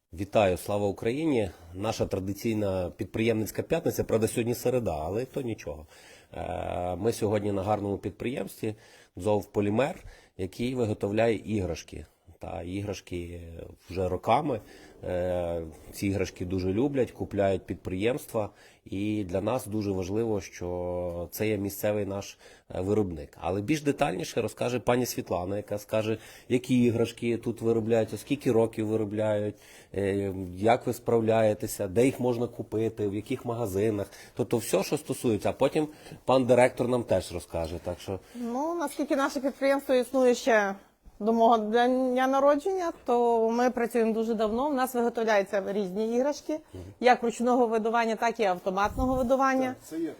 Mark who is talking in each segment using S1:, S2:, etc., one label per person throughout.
S1: Вітаю, слава Україні! Наша традиційна підприємницька п'ятниця, правда, сьогодні середа, але то нічого. Ми сьогодні на гарному підприємстві «ДЗОВ Полімер», який виготовляє іграшки. Та іграшки вже роками. Ці іграшки дуже люблять, купляють підприємства. І для нас дуже важливо, що це є місцевий наш виробник. Але більш детальніше розкаже пані Світлана, яка скаже, які іграшки тут виробляють, скільки років виробляють, як ви справляєтеся, де їх можна купити, в яких магазинах. Тобто все, що стосується. А потім пан директор нам теж розкаже. Так що...
S2: Ну, наскільки наше підприємство існує ще до мого дня народження, то ми працюємо дуже давно. У нас виготовляються різні іграшки, як ручного видування, так і автоматного видування.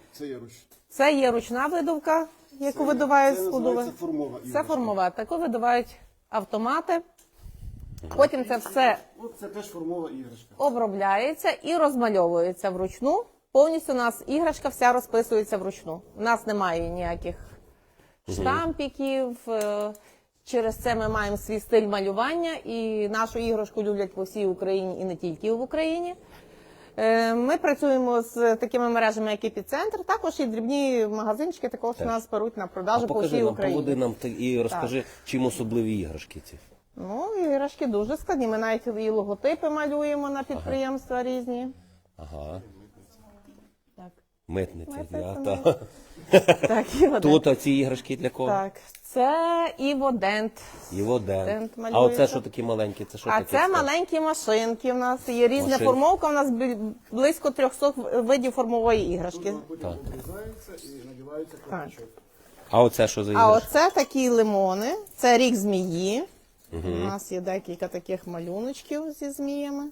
S2: Це є ручна видувка, яку видувають складове.
S3: Це формова іграшка.
S2: Це формова. Таку видувають автомати. Потім це все
S3: Це теж формова іграшка.
S2: обробляється і розмальовується вручну. Повністю у нас іграшка вся розписується вручну. У нас немає ніяких штампіків. Через це ми маємо свій стиль малювання, і нашу іграшку люблять по всій Україні і не тільки в Україні. Ми працюємо з такими мережами, як «Епіцентр», також і дрібні магазинчики також у нас беруть на продажу по всій Україні.
S1: Поводи нам і розкажи, чим особливі іграшки ці.
S2: Ну, іграшки дуже складні. Ми навіть і логотипи малюємо на підприємства різні.
S1: Ага.
S2: Так.
S1: Митниці.
S2: Митниця, Так, Іводент.
S1: Тут ці іграшки для кого?
S2: Так, це Іводент.
S1: Іводент.
S2: Дент
S1: А
S2: малюється.
S1: оце що такі маленькі? Це що
S2: А
S1: таке?
S2: це маленькі машинки. У нас є різна
S1: Машинки.
S2: формовка. У нас близько 300 видів формової іграшки.
S3: Потім обрізається і надівається колпачок.
S1: А оце що за
S2: А
S1: іграшки?
S2: оце такі лимони. Це рік змії. У нас є декілька таких малюночків зі зміями.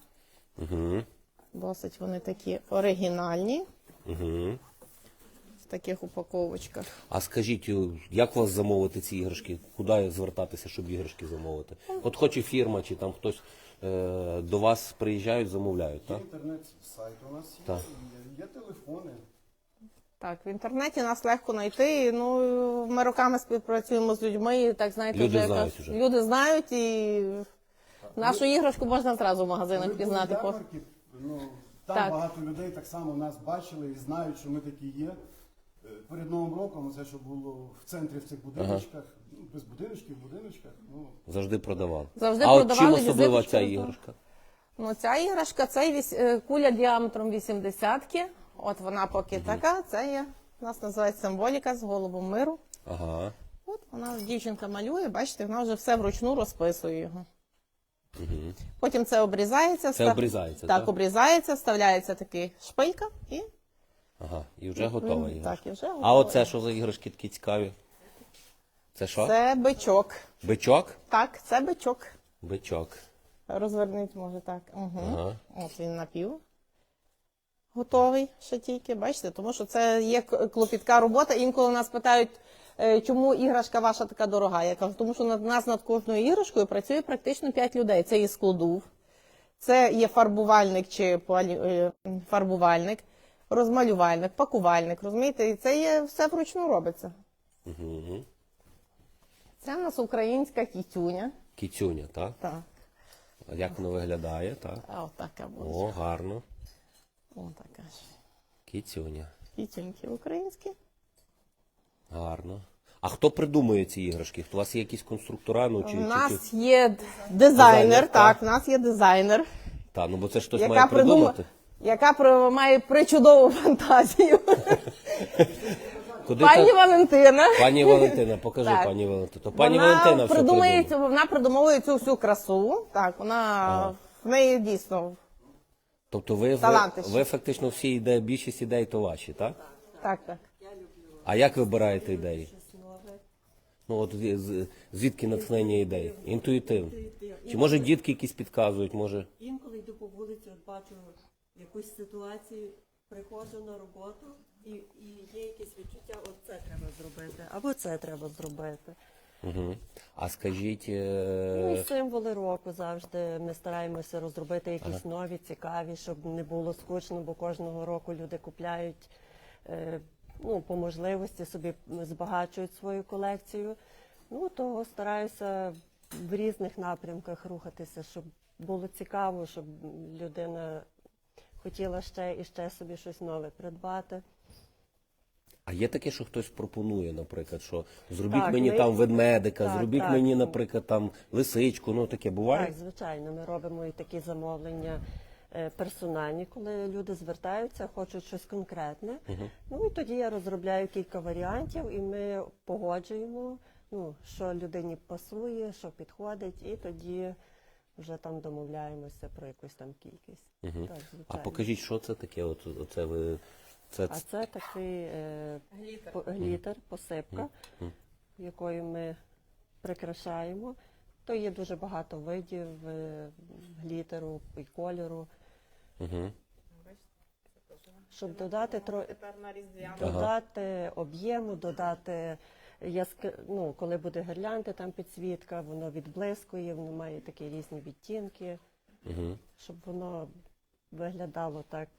S2: Досить вони такі оригінальні. В таких упаковочках.
S1: А скажіть, як у вас замовити ці іграшки? Куди звертатися, щоб іграшки замовити? От хоче фірма, чи там хтось до вас приїжджають, замовляють, так?
S3: Інтернет-сайт у нас є,
S1: Так.
S3: є телефони.
S2: Так, в інтернеті нас легко знайти. Ну, ми роками співпрацюємо з людьми, і так знаєте,
S1: Люди
S2: вже
S1: знають
S2: якось-
S1: уже.
S2: люди знають, і нашу іграшку можна зразу в магазинах
S3: Коли були
S2: пізнати.
S3: ярмарки, там
S2: Так.
S3: багато людей так само нас бачили і знають, що ми такі є. Перед Новим роком, це що було в центрі в цих будиночках, без будиночків, в будиночках.
S1: Завжди продавали.
S2: Завжди
S1: а от
S2: продавали,
S1: чим особлива
S2: візиточки
S1: ця
S2: роздавали.
S1: іграшка?
S2: Ну, ця іграшка, це куля діаметром 80-ки. От вона поки така, це є, у нас називається символіка з голубом миру.
S1: Ага.
S2: От вона, дівчинка малює, бачите, вона вже все вручну розписує його. Потім це обрізається.
S1: Це обрізається,
S2: так?
S1: так?
S2: Обрізається, вставляється такий шпилька і...
S1: Ага, і вже готова іграшка.
S2: Так, і вже
S1: А
S2: готова.
S1: оце що за іграшки такі цікаві? Це що?
S2: Це бичок.
S1: Бичок?
S2: Так, це бичок.
S1: Бичок.
S2: Розверніть, може так. Угу.
S1: Ага.
S2: От він напів. Готовий ще тільки, бачите, тому що це є клопітка робота. Інколи нас питають, чому іграшка ваша така дорога. Я кажу, тому що над нас над кожною іграшкою працює практично 5 людей. Це є складов, це є фарбувальник чи фарбувальник, розмалювальник, пакувальник, розумієте? І це є все вручну робиться. Це в нас українська кітюня.
S1: Кіцюня, так?
S2: Так.
S1: А як воно виглядає, так?
S2: А отака буде.
S1: О, гарно.
S2: Отака ж.
S1: Кіцюня.
S2: Кітюньки українські.
S1: Гарно. А хто придумує ці іграшки? У вас є якісь конструктора? Ну,
S2: У
S1: чи
S2: нас є дизайнер, так, у нас є дизайнер,
S1: Та, ну бо це ж хтось
S2: яка
S1: має придумати.
S2: має причудову фантазію.
S1: Куди
S2: Пані
S1: та-
S2: Валентина.
S1: Пані Валентина, покажи,
S2: Так.
S1: пані Валентина. То пані Валентина все придумує.
S2: Вона придумовує цю всю красу. Так, в неї дійсно.
S1: Тобто ви
S2: Талантище.
S1: фактично всі ідеї, більшість ідей то ваші, так?
S2: Так.
S1: А як вибираєте ідеї? Ну от звідки натхнення ідей? Інтуїтивно. Чи може дітки якісь підказують, може?
S4: Інколи йду по вулиці, от бачу якусь ситуацію, приходжу на роботу і є якесь відчуття, от це треба зробити, або це треба зробити.
S1: Угу. А скажіть,
S4: Ну і символи року завжди ми стараємося розробити якісь нові, цікаві, щоб не було скучно, бо кожного року люди купляють, ну, по можливості собі збагачують свою колекцію. Ну, то стараюся в різних напрямках рухатися, щоб було цікаво, щоб людина хотіла ще і ще собі щось нове придбати.
S1: А є таке, що хтось пропонує, наприклад, що зробіть
S4: Так,
S1: мені
S4: ми-
S1: там ведмедика,
S4: Так,
S1: зробіть
S4: так.
S1: мені, наприклад, там лисичку, ну таке буває?
S4: Так, звичайно, ми робимо і такі замовлення персональні, коли люди звертаються, хочуть щось конкретне. Ну і тоді я розробляю кілька варіантів, і ми погоджуємо, ну, що людині пасує, що підходить, і тоді вже там домовляємося про якусь там кількість. Так,
S1: А
S4: звичайно.
S1: покажіть, що це таке? Оце ви... Це...
S4: А це такий глітер, посипка, якою ми прикрашаємо. То є дуже багато видів глітеру і кольору. Щоб додати додати об'єму, додати ну, коли буде гірлянди, там підсвітка, воно відблискує, воно має такі різні відтінки, щоб воно виглядало так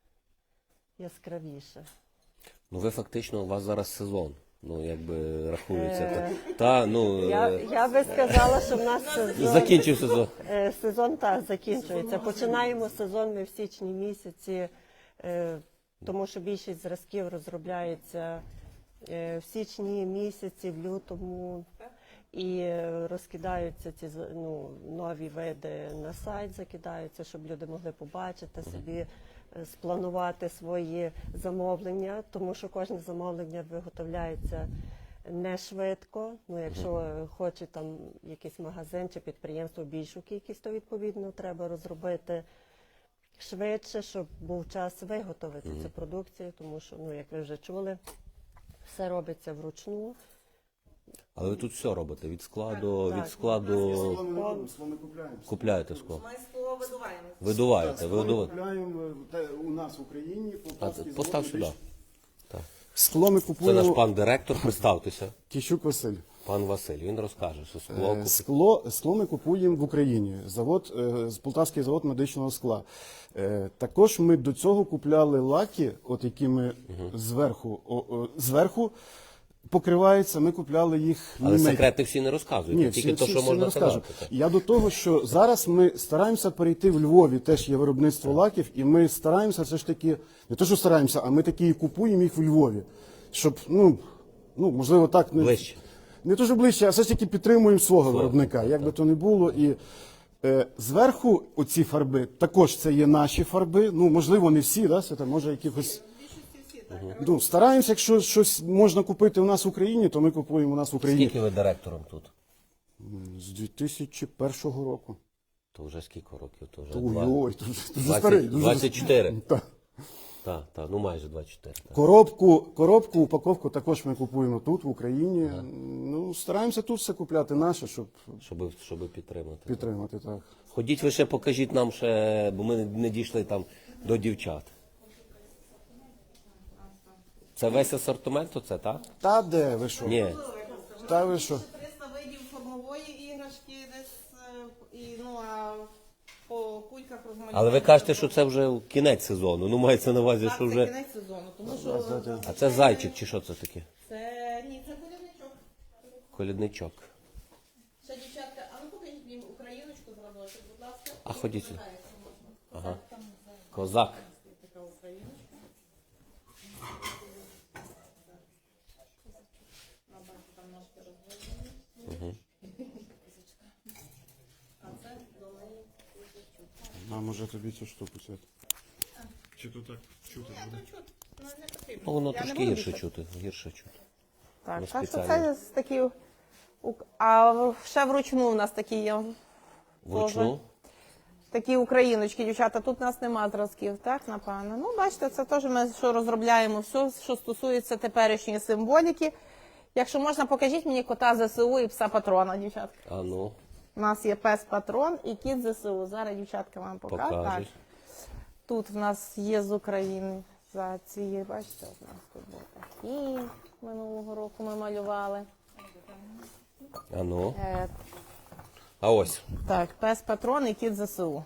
S4: яскравіше.
S1: Ну ви фактично, у вас зараз сезон, ну якби рахується. Ну,
S4: Я би сказала, що в нас
S1: закінчив сезон.
S4: сезон так закінчується. Починаємо сезон ми в січні місяці, тому що більшість зразків розробляється в січні місяці, в лютому, і розкидаються ці нові види на сайт, закидаються, щоб люди могли побачити собі, спланувати свої замовлення, тому що кожне замовлення виготовляється не швидко. Ну, якщо хоче там якийсь магазин чи підприємство більшу кількість, то відповідно треба розробити швидше, щоб був час виготовити цю продукцію, тому що, ну, як ви вже чули, все робиться вручну.
S1: Але ви тут все робите, від складу,
S4: Так.
S1: від складу
S3: Скло ми не робимо, скло ми купляємо.
S1: купляєте скло.
S2: Ми скло видуваємо.
S1: Видуваєте, ви
S3: Скло ми
S1: видуваєте.
S3: купляємо у нас в Україні.
S1: А,
S3: Полтавський
S1: постав
S3: завод
S1: сюди.
S3: «Медич».
S1: Так.
S3: Скло ми
S1: Це наш
S3: купуємо.
S1: пан директор, представтеся.
S3: Кіщук Василь.
S1: Пан Василь, він розкаже, що скло
S3: Скло ми купуємо в Україні. Полтавський завод медичного скла. Також ми до цього купляли лаки, от які ми зверху покриваються, ми купляли їх
S1: Але
S3: німецькі.
S1: секрети всі не розказують,
S3: Ні,
S1: тільки
S3: всі
S1: те, що
S3: не
S1: можна
S3: розкажу.
S1: казати.
S3: Я до того, що зараз ми стараємося перейти в Львові, теж є виробництво лаків, і ми стараємося все ж таки, не те, що стараємося, а ми такі і купуємо їх в Львові. Щоб, можливо, так
S1: Ближче.
S3: не дуже ближче, а все ж таки підтримуємо свого виробника, як би то не було. І зверху оці фарби, також це є наші фарби, можливо, не всі, да, це може якихось. Стараємося, якщо щось можна купити у нас в Україні, то ми купуємо у нас в Україні.
S1: Скільки ви директором тут?
S3: З 2001 року.
S1: То вже скільки років? То вже
S3: Ой, дуже старий.
S1: 24.
S3: Так.
S1: Так, ну майже 24. Так.
S3: Коробку, упаковку також ми купуємо тут, в Україні. Стараємося тут все купляти наше, щоб
S1: Щоб підтримати.
S3: підтримати. Так.
S1: Ходіть ви ще покажіть нам ще, бо ми не дійшли там до дівчат. Це весь асортимент оце, так?
S3: Та де ви що?
S1: Ні.
S3: Та ви що?
S2: 300 видів формової іграшки десь, а по кульках розмальовано.
S1: Але ви кажете, що це вже кінець сезону. Ну, мається на увазі,
S2: Так,
S1: що
S2: це
S1: вже...
S2: кінець сезону, тому що
S1: А це зайчик чи що це таке?
S2: це колядничок.
S1: Колядничок.
S2: Ще дівчатка, а ну покажіть мені україночку зробити, будь ласка.
S1: А ходіть сюди. Ага. Козак.
S2: Така україночка. Бачите, там ножки розводені. А це до неї куличок.
S3: А може тобі цю штуку взяти? Чи то так чути буде?
S2: Не потрібно.
S1: Ну, воно
S2: Я не
S1: трошки
S2: буду
S1: гірше
S2: більше.
S1: чути. Гірше чути.
S2: Так,
S1: Ну,
S2: так що
S1: спеціально.
S2: це такі. А ще вручну у нас такі є.
S1: Вручну?
S2: Такі україночки, дівчата. Тут у нас нема зразків, так, напевно. Ну, бачите, це теж ми що розробляємо все, що стосується теперішньої символіки. Якщо можна, покажіть мені кота ЗСУ і пса патрона, дівчатка.
S1: А ну,
S2: У нас є пес патрон і кіт ЗСУ. Зараз дівчатка вам покажуть. Так.
S1: покажуть.
S2: Тут в нас є з України за ці, бачите, у нас тут був такий, минулого року ми малювали.
S1: А ну.
S2: Е,
S1: А ось.
S2: Так, пес патрон і кіт ЗСУ.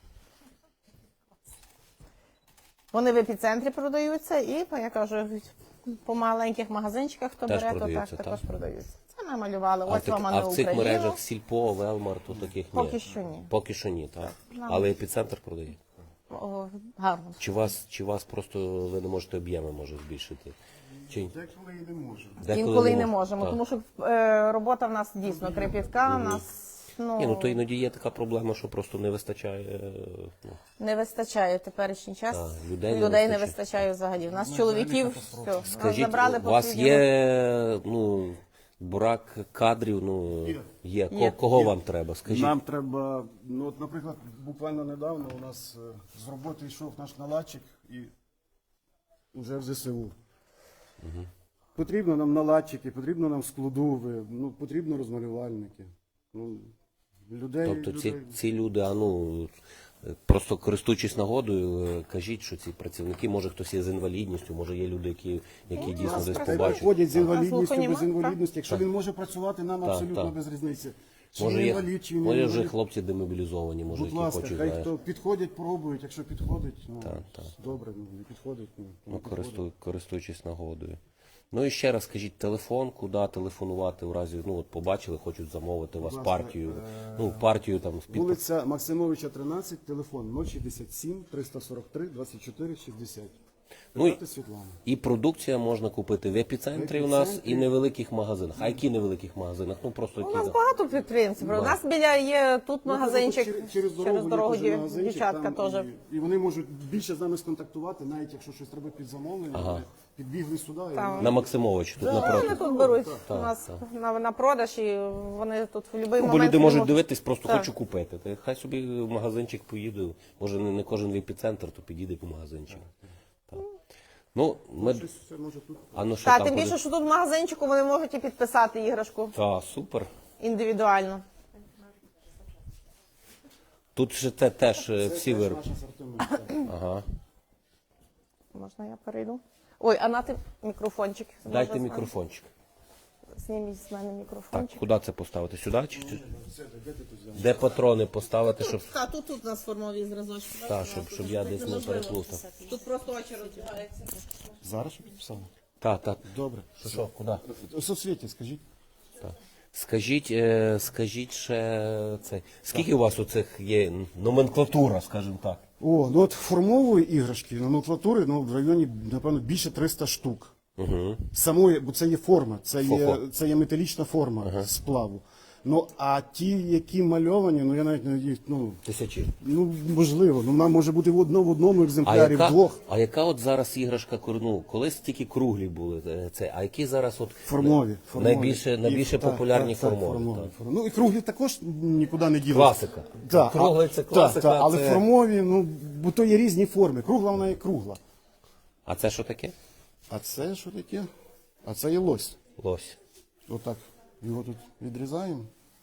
S2: Вони в епіцентрі продаються і, я кажу, по маленьких магазинчиках, хто
S1: Теж
S2: бере, то так
S1: продаються,
S2: також
S1: так?
S2: продаються. Це намалювали.
S1: А,
S2: Ось вам
S1: а
S2: на
S1: в цих
S2: Україну.
S1: мережах Сільпо, Велмар, то таких ні?
S2: Поки що ні.
S1: Поки що ні, так. Але епіцентр продає.
S2: О, гарно.
S1: Чи вас просто ви не можете об'єми може збільшити? Чи
S3: Деколи і не можемо.
S2: Інколи й не
S1: можете?
S2: можемо,
S1: Так.
S2: тому що робота в нас дійсно крепітка, нас
S1: Ні, ну то іноді є така проблема, що просто не вистачає.
S2: не вистачає в теперішній час.
S1: Так, людей
S2: Людей
S1: не
S2: не вистачає взагалі. У нас чоловіків все, нас
S1: Скажіть,
S2: забрали
S1: у вас
S2: потрібно.
S1: є брак кадрів, є.
S2: Є.
S1: Кого вам треба? Скажіть.
S3: Нам треба, ну от, наприклад, буквально недавно у нас з роботи йшов наш наладчик і вже в ЗСУ. Потрібно нам наладчики, потрібно нам складови, ну, потрібно розмалювальники. Ну, людей,
S1: Тобто
S3: людей.
S1: ці люди, просто користуючись нагодою, кажіть, що ці працівники, може хтось є з інвалідністю, може є люди, які дійсно десь
S3: Та й
S1: побачать.
S3: приходять з інвалідністю,
S2: слуханіма,
S3: без інвалідності. Якщо він може працювати, нам абсолютно
S1: так.
S3: без різниці. Чи
S1: Може,
S3: він
S1: є,
S3: інвалід, чи він не
S1: може вже
S3: інвалід.
S1: хлопці демобілізовані, може,
S3: Будь
S1: які
S3: ласка,
S1: хочуть,
S3: хай
S1: знаєш,
S3: хто підходять, пробують. Якщо підходить, ну,
S1: так.
S3: добре, ну, не підходить, ну, не підходить.
S1: користуючись нагодою. Ну і ще раз скажіть телефон, куди телефонувати в разі, побачили, хочуть замовити у вас
S3: Будь ласка,
S1: партію, партію там з
S3: Вулиця Максимовича, 13, телефон 067 343 24 60.
S1: Ну,
S3: Питати Світлана.
S1: І продукція можна купити в епіцентрі у нас і невеликих магазинах. А які невеликих магазинах? Просто
S2: У
S1: які.
S2: нас багато підприємців. У нас біля є тут магазинчик,
S3: Ну, через дорогу, є теж магазинчик,
S2: дівчатка
S3: там,
S2: теж.
S3: І вони можуть більше з нами сконтактувати, навіть якщо щось треба під замовлення, вони підбігли сюди. І
S1: На Максимовичі, тут
S2: Вони
S1: напроти.
S2: тут беруть у нас на продаж, і вони тут в будь-який
S1: Бо
S2: момент.
S1: люди можуть
S2: можуть-
S1: дивитись, просто
S2: Так.
S1: хочу купити. Та хай собі в магазинчик поїде. Може не кожен в епіцентр, то підійде по магазинчик. Так. Ну, ми...
S3: Щось це може тут.
S1: що
S2: Так,
S1: там
S2: тим
S1: буде?
S2: більше, що тут в магазинчику вони можуть і підписати іграшку
S1: Та, супер.
S2: індивідуально.
S1: Тут же це теж всі
S3: Це
S1: вироби.
S3: наш асортимент.
S1: Ага.
S2: Можна я перейду? Ой, а нати мікрофончик.
S1: Дайте
S2: Можна
S1: мікрофончик.
S2: Зніміть з мене
S1: Так,
S2: мікрофончик.
S1: куди це поставити? Сюди? Де патрони поставити, щоб,
S2: Так, тут у нас формові зразочки.
S1: щоб я десь не переплутав?
S2: Тут просто очі розбігаються.
S3: Зараз що підписали?
S1: Так.
S3: Добре.
S1: Що, куди?
S3: У соцвіті, скажіть.
S1: Скажіть ще це. Скільки у вас оцих є номенклатура, скажімо так?
S3: О, ну от формової іграшки, номенклатури, ну, в районі, напевно, більше 300 штук. Самої, бо це є форма, це є металічна форма сплаву. Ну, а ті, які мальовані, ну я навіть не їх,
S1: Тисячі.
S3: можливо, вона може бути в одному екземплярі, в двох.
S1: А яка от зараз іграшка, колись тільки круглі були, а які зараз от
S3: Формові.
S1: найбільше популярні формові? Так.
S3: Ну і круглі також нікуди не ділять.
S1: Класика. Круглий це класика,
S3: але
S1: це-
S3: формові, ну, бо то є різні форми. Кругла вона є кругла.
S1: А це що таке?
S3: А це що таке? А це є лось.
S1: Лось.
S3: Отак. Його тут відрізаємо.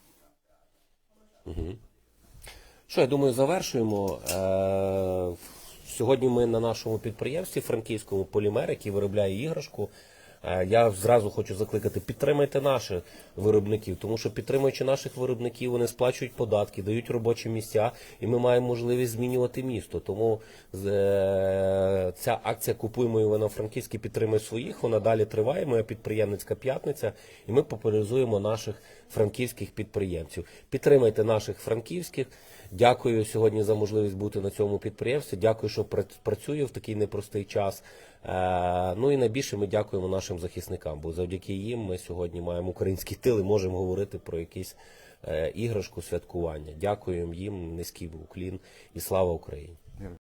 S1: Що, я думаю, завершуємо. Сьогодні ми на нашому підприємстві франківському «Полімер», який виробляє іграшку. Я зразу хочу закликати, підтримайте наших виробників, тому що підтримуючи наших виробників, вони сплачують податки, дають робочі місця, і ми маємо можливість змінювати місто. Тому ця акція «Купуємо Івано-Франківський, підтримуй своїх», вона далі триває, моя підприємницька п'ятниця, і ми популяризуємо наших франківських підприємців. Підтримайте наших франківських. Дякую сьогодні за можливість бути на цьому підприємстві. Дякую, що працює в такий непростий час. Ну і найбільше ми дякуємо нашим захисникам, бо завдяки їм ми сьогодні маємо український тил і можемо говорити про якісь іграшку, святкування. Дякуємо їм, низький уклін і слава Україні.